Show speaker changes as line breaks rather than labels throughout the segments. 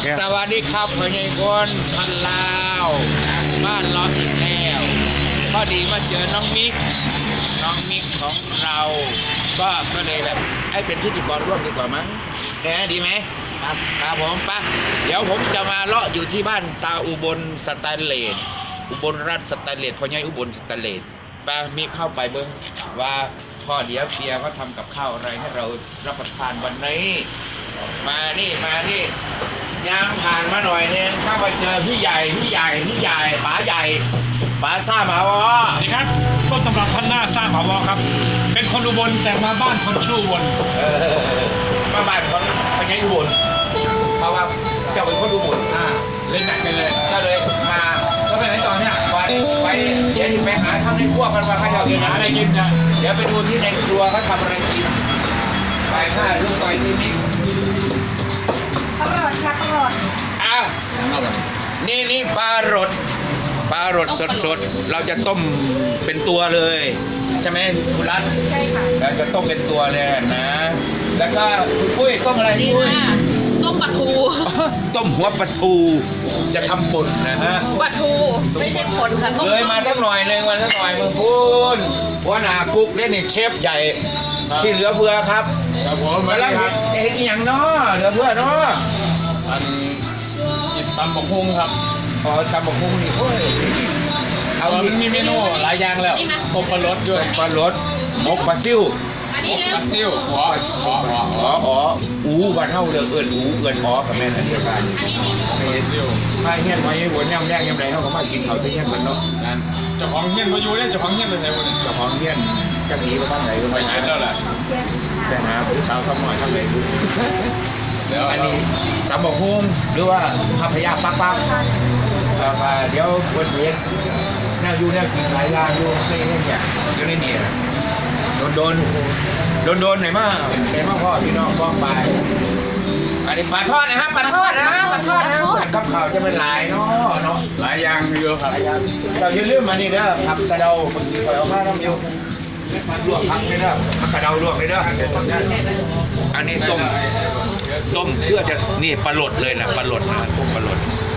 เนี่ย
สวัสดีครับพ่อใหญ่คนพันลาวบ้านเราอีกแล้วพอดีมาเจอน้องมิกของเราก็เลยแบบให้เป็นพิธีกรร่วมดีกว่ามั้งแหมดีไหมครับผมปะเดี๋ยวผมจะมาเลาะอยู่ที่บ้านตาอุบลสแตนเลสอุบลรัฐสแตนเลสพ่อใหญ่อุบลสแตนเลสปะมีเข้าไปเบิ้งว่าพ่อเดี๋ยวเปียเขาทำกับข้าวอะไรให้เรารับประทานวันนี้มานี่ยางผ่านมาหน่อยนึงเข้าไปเจอพี่ใหญ่ป๋าใหญ่ป๋าซ่ามาวอ
สวัสดีครับต้นตำรับพันหน้าสร้างหาวอครับ เป็นคนอุบลแต่มาบ้านคนชื่ออุบล
มาบ้านของพญาอุบลเพราะว่าเจ้าเป็นคนอุบล
เล่นหนักกันเลย
ก็เลยมา
แล้วไปไหนต่อเนี่ย
ไปเดี๋ยวไปหาทำในครัวกันว่าเขาจะกิน
หาอะไรกินนะ
เดี๋ยวไปดูที่ในครัวเขาทำอะไรกินไปข้าลูกไปที่นี่
อร่อยครับอร่อย
อ่ะนี่ปลารสสดๆเราจะต้มเป็นตัวเลยใช่ไหมคุณรัต
ใช่ค่ะ
เราจะต้มเป็นตัวเลยนะ แล้วก็คุณปุ้ยต้มอะไร
นี่
ปุ้ย
ค่ะต้มปลาทู
ต้มหัวปลาทูจะทำป่นนะฮะ
ปลาทูไม่ใช่ผลค่ะต้ม
เลยมาสักหน่อยเลยมาสักหน่อยมึงคุณหัวหน้ากุ๊กเล่นนี่เชฟใหญ่ที่เหลือเฟือครับ
ครับผม
กำลังเห็นอีหยังเนาะเหลือเฟือเนาะ
อันจิตตำบกฮุงครับ
อ๋อตำบักหุ่งนี่โอ้ยเอา
มัน
ดิ
มีเมนูหลายอย่างแล้วต้มปลารสด้วย
ปลารสหมกปลาซิ่ว
อันนี้
ป
เร็ว
ลาซิ่วหัว
อ๋ออูบ้านเฮาเด้อเอิ้นอูเอิ้นอ๋อกับแม่นอันเดียวกัน
อันนี้นี่
ปลาซิ่ว
มาเฮียนมาเฮียนหัวย่ำแรกย่ำไรเฮาก็มากินข้าวที่เฮียนกันเนาะ
นั่นเจ้าของเงี้ยนมาอยู่เนี่ยเจ้าของเงี้ยนไปไหนวะเนี่ย
เจ้าของเฮียนจักหนีไปทางไหนก็
ไป
ไม่
ไหน
รู้
แล้วล่ะ
แต่หาผู้สาวสมัยทางไหนรู้
แล้ว
อันนี้ตำบักหุ่งหรือว่าพัพยาปักเดี๋ยวคนเห็นแนวอยู่แนวกินหลายอย่างอยู่ในนี่เนี่ยอยู่ในนี่โดนไหนมาพ่อพี่น้องป้องไปอันนี้ปลาทอดนะครับปลาทอดนะกับข้าวจะเป็นหลายเนาะ
หลายอย่างเยอะครับ
หลายอย่างเราอย่าลืมมานี่เด้อผักกระเดาคนที่คอยเอามาทำอยู่ลวกผักเลยเด้อผักกระเดาลวกเลยเด้ออันนี้ต้มเพื่อจะนี่ปลาหลดเลยนะปลาหลดนะต้มปลาหลด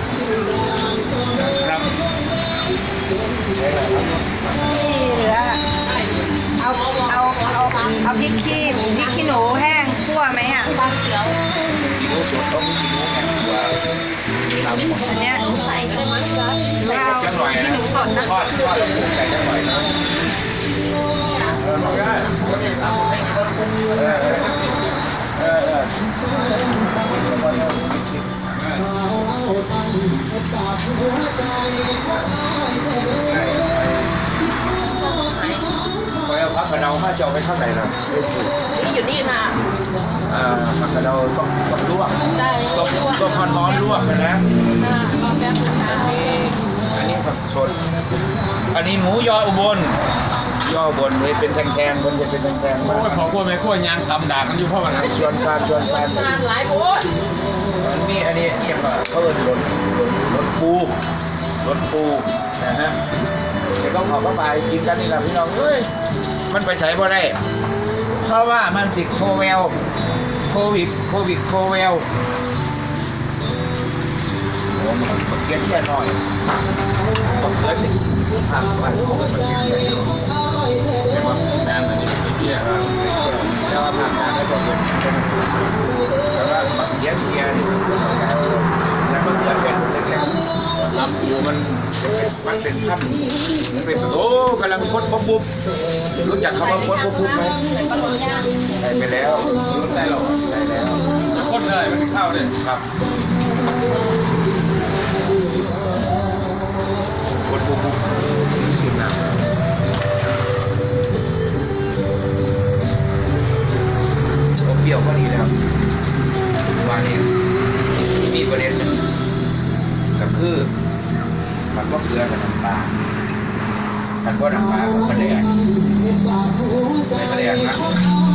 ครับ
นี่เหลือเอาพริกขี้หนูแห้งคั่วไหมอ่ะ
ปลาเขียว
กิโลสดต้องกิโลแห้งว่าทำ
อันเนี้ย
ต้มใส่ก็ได้มั้งจ๊ะ
หรือเอา
จังหน่อย
ขี้
นะ
หนูสดนะ
ทอดแล้วปรุงใส่จังหน่อยนะคอยเอาผักกระเดามาเจาะไปข้างไหนนะ
นี่อยู่นี่ค่ะ
ผักกระเดาต้องลวก
ได้
ต้มร้อนลวกนะ
ลองแล้วค่ะ
อันนี้ผักสดอันนี้หมูยออุบลเลยเป็นแทงๆมันจะเป็นแทงๆ
โอ้
มาย
พอพวกแม่ขั้วยางตำด่ากันอยู่เพราะว่านั้น
ชวนการ
สลัดหลายโพด
นี่อันนี้เรียกว่าเขาเรียกรถปูนะฮะเดี๋ยวต้องขอเข้าไปกินกันนี่แหละพี่น้องเอ้ยมันไปใช้พอได้เพราะว่ามันติดโควิดโอ้มันเกลียดแค่หน่อยมันเกลียดสิทางมันเกลียดแค่หน่อย
ใช่ไหมแม่นอันนี้เที่ยครับ
แต่ว่าผ่านการได้บอกเลยแต่ว่ามันเกลียดแล้วมันเกลียดเป็นเล็กๆ
ลำปูมัน
มันเป็นขั้นมันเป็นโอ้กำลังพดปุ๊บรู้จักคำว่าพดปุ๊บไหม
เป็นปลาหมึกย่าง
ใส่ไปแล้วรู้ได้หรอใส่แล้ว
จะข้นเลยมันข้าวเลย
ครับพดปุ๊บสุดนะผมเปรี้ยวก็ดีแล้ววันนี้มีประเด็นก็คือมันก็เกลือกับน้ำปลามันก็น้ำปลากับมะแดงไม่มะแดงนะ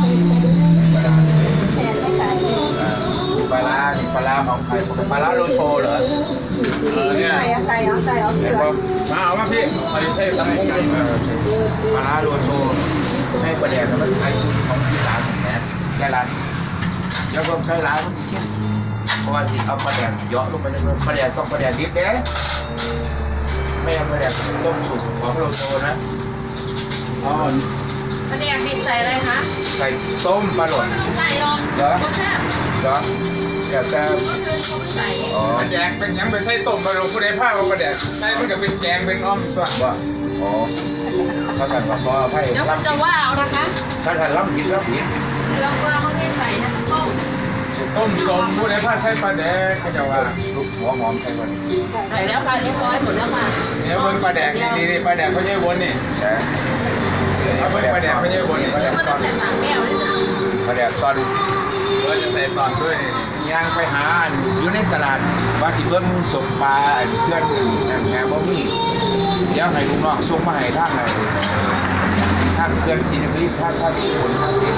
ปลาร้านี่ปลาร้าของใครปลาร้าโลโซเหรอ
เนี่ย
ใส่เอาเก
เห็
ลื
น
อ
ป่ะ
มาเอาว่าพี่ใส่ใส่ตำกุ้งดิ
ปลาร้าโลโซใช้ปลาแดงแล้วมันไทยของอีสานของแหนมแกร้านแล้วก็ใช้ร้านมันเข้มราะว่าที่เอาปลาแดกเยอะลงไปเลยปลาแดกต้องปลาแดกดิบเด้ไม่เอาปลาแดกต้มสุกของโลโซนะอ๋อ
ปลาแดกดิบใส่อะไรคะ
ใส่ต้มปลาหลด
ใส่ลงรสชาติ
เหรอเดี๋ยวจะ
เมื่อคืนเขาไม่ใส่
อ๋อ
แจงเป็นยังไปใส่ต้มมาลงผู้ใดผ้ามาประเดี๋ยวใส่มันก็เป็นแจงเป็นอ้อมตัว
ว่าอ๋อถ้าท่านว่าพอให้
เดี๋ยวมันจะว่าเอานะคะ
ถ้าท่านรับผิดรับผิด
เรื่องว่าเขาไม่ใส่นะต้ม
ต้มสมผู้ใดผ้าใส่ปลาแดกเขาจะว่า
ลูกหัวหอมใช่ไหม
ใส่แล้วค่ะเรียบร้อยหมดแล้วค่ะ
เดี๋ยวเบิ่งปลาแดกนี่นี่ปลาแดกเขาใช้วนนี่
แต่
เอาเบิ่งปลาแดกเขาใช้วนนี่
ซื้อมาตั้งแต่3 แก้วเลยนะ
ปลาแดกตอน
เราจะใส่ตอนด้วยนี่
ย่างไปหาอยู่ในตลาดว่าสิเบิ่งสมปลาเพื่อนแง่บ่มีเดี๋ยวให้ลูกน้องส่งมาให้ทางไหนทางเพื่อนศรีนครินทร์ทางที่คนทางที่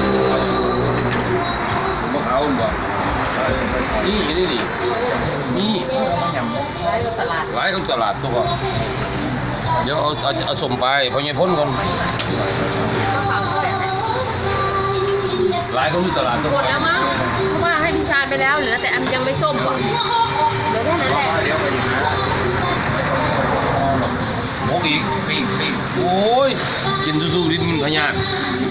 พวกเขาบอกนี่นี่นี่นี่
ใช้ตลาด
หลายคนตลาดตัวเดี๋ยวเอาสมไปพอยังพ้นก่อน
ก็ขาวสวยนะ
หลายคนที่ตลาดตัว
หมดแล้วมั้งเพราะว่าให้พี่ชาญไปแล้วเหลือแต่อันยังไม่ส้มก่อนเหลือแค่นั้นแหละ
เดี๋ยวไปหา
หมกอีกปีกโอ้ยกินสู้ๆนิดมันพยาธิ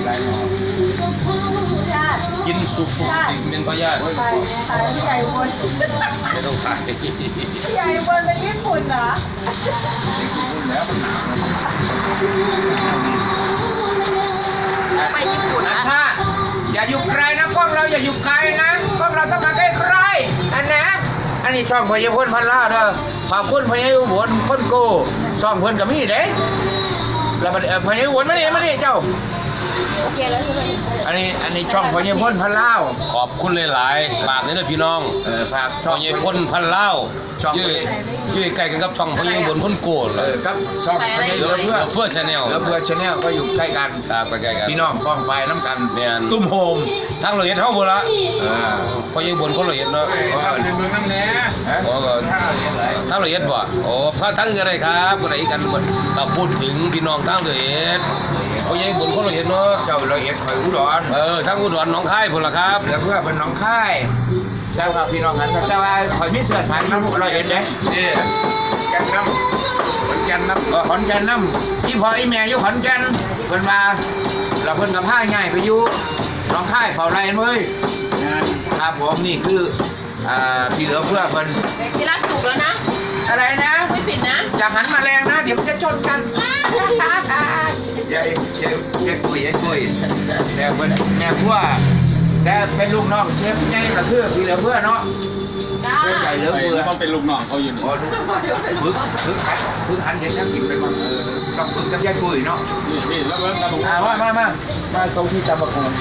กินสุกๆดิเป็นพยาธิ
ไปพี่ใหญ่บน
ไม่ต้องขาย
พี่ใหญ่บนเป็นญี่ปุ่นเหรอ
ไปญี่ปุ่นนะ
ถ้าอย่าอยู่ไกลนะกล้องเราอย่าอยู่ไกลนะกล้องเราต้องมาใกล้ๆอันนะอันนี้ช่องพญาพลพันล่าเด้อขอบคุณพญาอุบลคนโก้ช่องเพิ่นกับมี่เด้แล้วพญาอุบลมานี่เจ้า
โอเคแล้วใช่ไหม
อันนี้ช่องพญาพลพันล่า
ขอบคุณหลายๆฝากนี่นะพี่น้อง
ฝาก
ช่องเย็นพ้นพันเล่า
ช่อง
ยืดใกล้กันกับช่องพยังบนพ้นโกดเลย
ครับช่องพญา
เหลื
เพื่
อ
อ
เฟื่อชาแนล
แล้วเพื่อชาแนลก็อยู่ใกล้กัน
ตามไปใกล้กัน
พี่น้องกล้องไฟน้ำกัน
แม่น
ตุ้มโฮม
ทั้งละเอียดเท่าหมดละพยังบนคนละเอียดเนาะ
ข้าวในเมืองน้ำแหน่
โอ้ก็
ข้าวเรียนไร
ทั้งละเอียดบ่โอ้พระทั้งอะไรครับคนไหนกันเราพูดถึงพี่น้องทั้งละเอียดพยังบนคนละเอียดเนาะ
เจ้าละเอียดคอยอุดร
ทั้งอุดรหนองคายพุ่นล่ะครับ
แล้วเพื่อเป็นน้องค่ายเจ้าครับพี่น้องกันเจ้าว่าคอยมีเสื้อสายน้ำละเอียดเด้
นี่แกนน้ำเหมือนแกนน้ำ
ขอนแก่นน้ำอีพออีแม่อยู่ขอนแก่นเพิ่นมาเราเพิ่นกับผ้าง่ายไปอยู่น้องค่ายเฝ้าไรเว้ย
งาน
ครับผมนี่คือพี่เหลือเพื่อเพิ่น
ที่รักถูกแล้วนะ
อะไรนะ
ไม่ผิดนะ
อย่าหันมาแรงนะเดี๋ยวมันจะชนกันยายกุยแต่เพิ่นแม่พัวแต่เป็นลูกน้องเชฟไงก็คือพี่เหลือเพื่อเนาะ
จ้า
เชฟใหญ่เหลือเพื่อ
ต้องเป็นลูกน้องเขาอยู่นี่
อ๋อฝึกหันเห็นนักกินไปบ้างต้องฝึกกับยายกุยเนาะ
นี่แล้วเบิ่งตาบุก
มาตรงที่ตะบะกู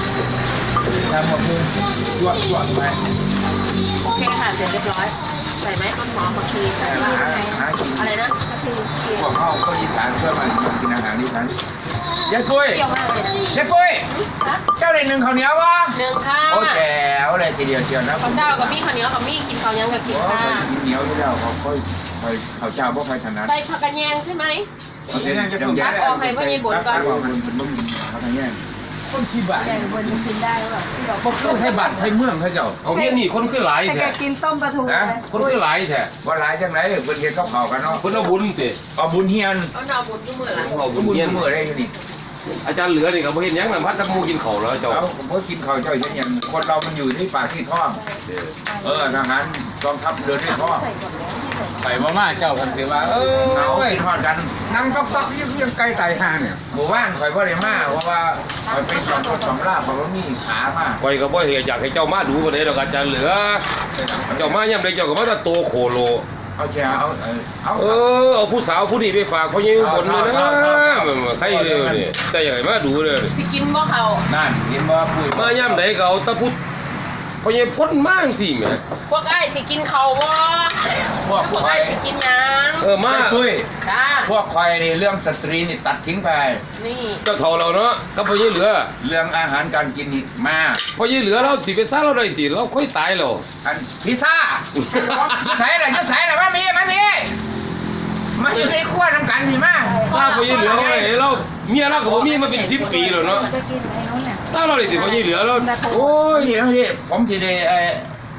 จวดไป
โอเคค่ะเสร็จเรียบร้อยใส่ไหมต้นหอมผักชีใส่บ้างอะไรนะผักชี
พวกเขาคนอีสานเพื่อมันกินอาหารอีสานยายกุย
เปรี้ยวมากเลยนะ
ยายกุยเจ้าได้หนึ่งข้าวเหนียววะ
1 ค่ะ
โอ้แจ๋วเลยทีเดียวเชียวนะ
ข้าวเจ้ากับมี่ข้าวเหนียวกับมี่กินข้าวยังกับกินค่ะ
กินเหนียวที่แล้วเขาค่อยข้าวเจ้าพวกใครถนัด
ใส่ผักกระแยงใช่ไหม
ตักออกให้พ่อใหญ่บุญก่อนเป็นบ่มีเขาทางแย่
คนที่บ้าน
ใหญ่บนมันกินได้หรือเปล่าที่บอก
พวกต้องให้บ้านให้เมืองให้เจ้า
เอาเนี่ยนี่คนขึ้นหลาย
แต่แก
แท้
กินต้มปลาทูเลย
คนขึ้นหลายแท้
ว่าหลายจังไรเพิ่นเฮ็ดกับข้าวกันเนาะ
คนเอาบุญสิ
เอาบุญเฮียน
เอาหน่อบุญทุกมื้อละ
เอาบุญ
บุญ
เยี่ยน
มื้อได้อยู่นี่
อาจารย์เหลือนี่ก็บ่เห็นหยังนำพัดตะมูกินข้าวแล้วเจ้า
แล้วผมก็กินข้าวเจ้าเช่นอย่างคนเรามันอยู่ที่ปากที่ท้องทหารกองทัพเดินที่ท้อง
ใส่ก่อนแล้วที่ใส่
ไปมาเจ้าพันเสว่า
เอา
เอ้ย
ไปทอดกัน
นั่งต๊อกซอกยังไกลไต่ห่างเนี่ย
หมู่บ้านข่อยพ่อได้มาเพราะว่าข่อยเป็นสองคนสองลาบเพราะว่ามีขามา
ไว้ก็บ่เห็นอยากให้เจ้ามาดูบ่ได้ดอกอาจารย์เหลือเจ้ามายามใดเจ้าก็มาแต่โตโคโล
เอาแชร์เอา
เอาผู้สาวผู้นี้ไปฝากเขายังบนเลยนะใครเร็วนี่แต่อย่างไรมาดูเลย
สิกินบ่เขา
นั่นเห็นบ่ปุ้ย
มาย่ำไหนก็เอาตะพุดเขายังพ้นมากสิแม่
พวกไอ้สิกินเขาบ่
พวก
พวก
ข่อ
ไอ้
ย
สิกินหยัง
มา
ปุ้ย
จ้า
พวกข่อยนี่เรื่องสตรีนี่ตัดทิ้งไป
นี่
เจ้าเท่าเราเนาะก็พอยังเหลือ
เรื่องอาหารการกินนี่มา
พอยังเหลือเราสิไปซ่าเราได้ติเราค่อยตายเรา
อันพิซซ่าใส่อะไรจะใส่อะไรมามีมาอยู่ในครัวน้ำกันพี่มา
ซ่าพอยังเหลือเราเมียเราก็บ่มีมาเป็น10 ปีแล้วเนาะ
จะกินไอ้นู้นเนี่ย
ซ่าเราได้สิพอยังเหลือเรา
โอ้ยพี่ผมทีเดี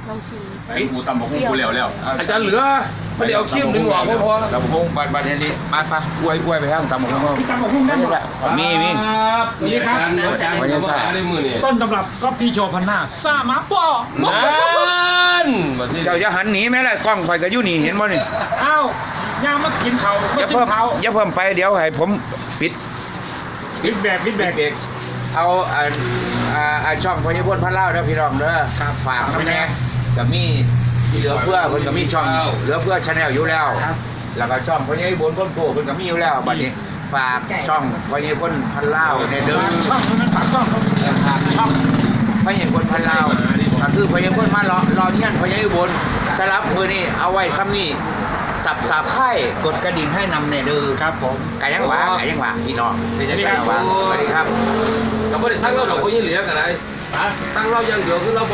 ลองชิม
ไอ้กูตำบักหุ่งกูแล้ว
อาจารย์เหลือไม่ได้เอาขี้มดึงออกพอ
ตำบักหุ่งบัดนี้มาปะอวยไปครับตำบักหุ่ง
ตำบักหุ่งได้หมด
มี
ครับนี่ครับอาจารย์มาได้มือนี่
ต้นตำรับก็พี่โชว์พันหน้าซ่ามาป่อ
นั่นมาที่
เจ้าจะหันหนีไหมล่ะกล้องไฟก็อยู่นี่เห็นบ่นี่
อ้าวย่างมากินเขา
อ
มา
ย่า
ชิม
เพิ่ม
เขา
อย่าเพิ่มไปเดี๋ยวให้ผมปิด
ฟีดแบ็ก
เด็กเอาช่องพญาพลพันเล่าเด้อพี่น้องเด้อฝากน้ำแน่กับมีเหลือเพื่อเพิ่นก็มีช่องเหลือเพื่อชาแนลอยู่แล้ว แล้วก็ช่องพญาพลพ้นโกเพิ่นก็มีอยู่แล้วบัดนี้ฝากช่องพญาพลพันเล่าในเด้อ
ช่องนั้นปากช่องเขา
ฝากช่องพญาพลพันเล่าก็คือพญาพลมารอเงี้ยนพญาพลสำหรับมือนี่เอาไว้ซ้ำนี่สับไข่กดกระดิ่งให้นำในเด้อ
ครับผม
ไก่ยังหวาพี่น้องนี่จะใช่หวาสวัสดีครับ
เราไม่ได้สั่งเราหรอกเพราะยังเหลือกันไรสั่งเราอย่างเดียวคือเรา